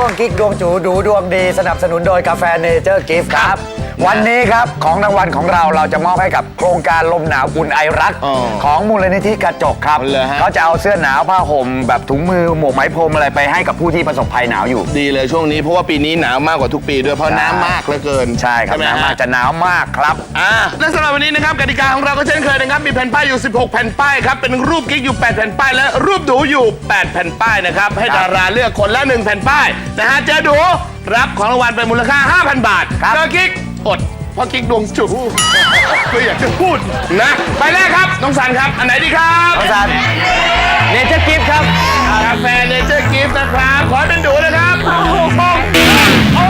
งกิ๊กดวงจูดูดวงดีสนับสนุนโดยกาแฟเนเจอร์กิฟต์ครับวันนี้ครับของรางวัลของเราจะมอบให้กับโครงการลมหนาวอุ่นไอรักของมูลนิธิกระจกครับเขาจะเอาเสื้อหนาวผ้าห่มแบบถุงมือหมวกไหมพรมอะไรไปให้กับผู้ที่ประสบภัยหนาวอยู่ดีเลยช่วงนี้เพราะว่าปีนี้หนาวมากกว่าทุกปีด้วยเพราะน้ำมากเหลือเกินใช่ครับน้ำมากจะหนาวมากครับและสำหรับวันนี้นะครับกติกาของเราก็เช่นเคยนะครับมีแผ่นป้ายอยู่16แผ่นป้ายครับเป็นรูปกิ๊กอยู่8แผ่นป้ายและรูปดูอยู่8แผ่นป้ายนะครับให้ดาราเลือกคนละ1แผ่นป้ายนะฮะเจอดูรับของรางวัลเป็นมูลค่า 5,000 บาทเจอกิ๊กอดเพราะกิ๊กดวงจุก็อยากจะพูดนะไปแรกครับน้องสันครับอันไหนดีครับน้องสันเนเจอร์กิฟต์ครับกาแฟเนเจอร์กิฟต์นะครับขอเป็นดูนะครับโอ้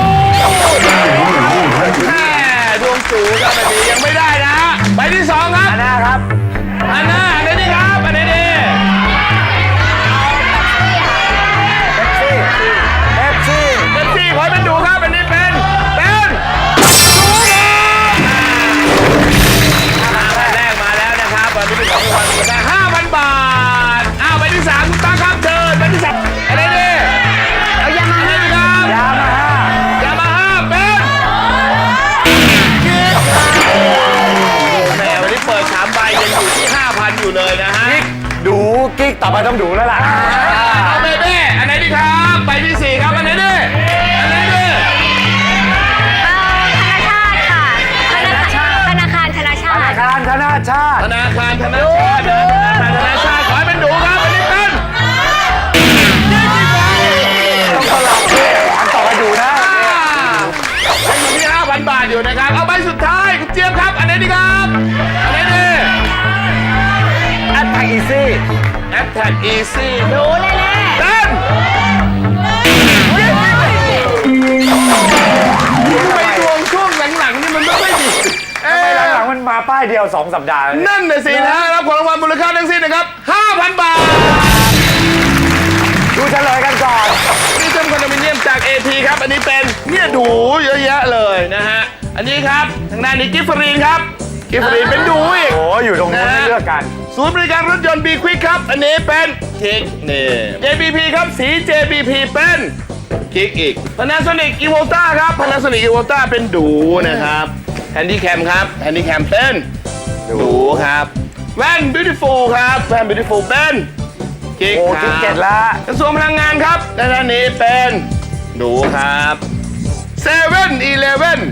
แม่ดวงสูงครับแบบนี้ยังไม่ได้นะใบที่2ครับอันน่าครับอันน่าอันนี้ดีครับอันนี้ดีเอฟซีขอเป็นดูครับอันนี้เป็นมาแล้วนะครับวันนี้เป็นของรางวัลมูลค่า 5,000 บาทใบที่3คุณตั้งครับเชิญใบที่3อะไรดีเอายามาฮ่าเป็นแหมวันนี้เปิด3ใบยังอยู่ที่ 5,000 อยู่เลยนะฮะดูกิ๊กต่อไปต้องดูแล้วล่ะเอาเบ้อันไหนดีครับใบที่4ครับอันไหนดีอันไหนดีธนาคารธนาชาติขอให้เป็นดูครับอันนี้เป็นต้องสลับอันต่อไปดูนะยังอยู่ที่ 5,000 บาทอยู่นะครับเอาใบสุดท้ายคุณเจี๊ยบครับอันไหนดีครับอันไหนดีแอดแท็กอีซี่ดูแน่ๆเป็นไปดวงช่วงหลังๆนี่มันไม่ค่อยดีหลังมันมาป้ายเดียว2 สัปดาห์นั่นน่ะสินะรับของรางวัลมูลค่าทั้งสิ้นนะครับ 5,000 บาทดูเฉลยกันก่อนนี่เป็นคอนโดมิเนียมจาก AP ครับอันนี้เป็นเนี่ยดูเยอะแยะเลยนะฮะอันนี้ครับทางด้านนี้กิฟฟรีนครับกิฟฟรีนเป็นดูอีกโอ้อยู่ตรงนี้เลือกกันศูนย์บริการรถยนต์ B Quick ครับอันนี้เป็นคิกนี่ JBP ครับสี JBP เป็นคิกอีก Panasonic Evolta ครับ Panasonic Evolta เป็นดูนะครับHandycam ครับ Handycam เป็นดูครับแว่น Beautiful ครับแว่น Beautiful เป็นกิ๊กครับเก็ตละกระทรวงพลังงานครับด้านนี้เป็นดูครับ7-Eleven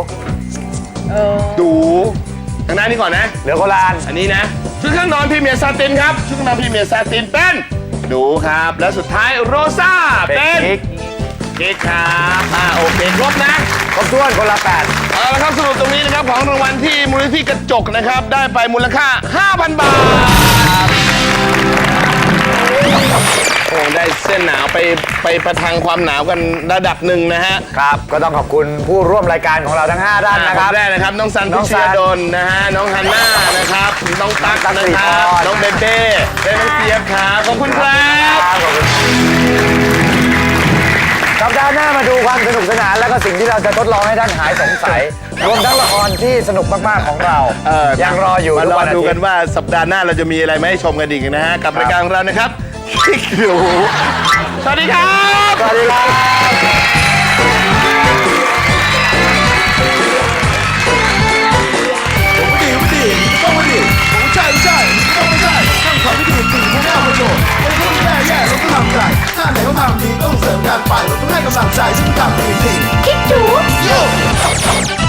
ดูทางด้านนี้ก่อนนะเหลือโคลานอันนี้นะชุดเครื่องนอนพรีเมียร์ซาตินครับชุดเครื่องนอนพรีเมียร์ซาตินเป็นดูครับและสุดท้ายโรซ่าเป็นกิ๊กครับโอเคครบนะครบถ้วนคนละ8 เอาละครับสรุปตรงนี้นะครับของรางวัลที่มูลนิธิกระจกนะครับได้ไปมูลค่า 5,000 บาทโอ้ได้เส้นหนาวไปประทังความหนาวกันระดับหนึ่งนะฮะครับก็ต้องขอบคุณผู้ร่วมรายการของเราทั้ง5ท่านนะครับแรกนะครับน้องซันพิชยาดลนะฮะน้องฮันน่านะครับน้องตั๊กนะครับน้องเบเบ้และน้องเจี๊ยบครับขอบคุณครับสัปดาห์หน้ามาดูความสนุกสนานและก็สิ่งที่เราจะทดลองให้ท่านหายสงสัยรวมทั้งละครที่สนุกมากๆของเรายังรออยู่มารอดูกันว่าสัปดาห์หน้าเราจะมีอะไรมาให้ชมกันอีกนะฮะกับรายการของเรานะครับคิกดูสวัสดีครับสวัสดีครับถ้าไหนเขาทำดีต้องเสริมกันไปเราต้องให้กำลังใจซึ่งทำดีจริงคิดดู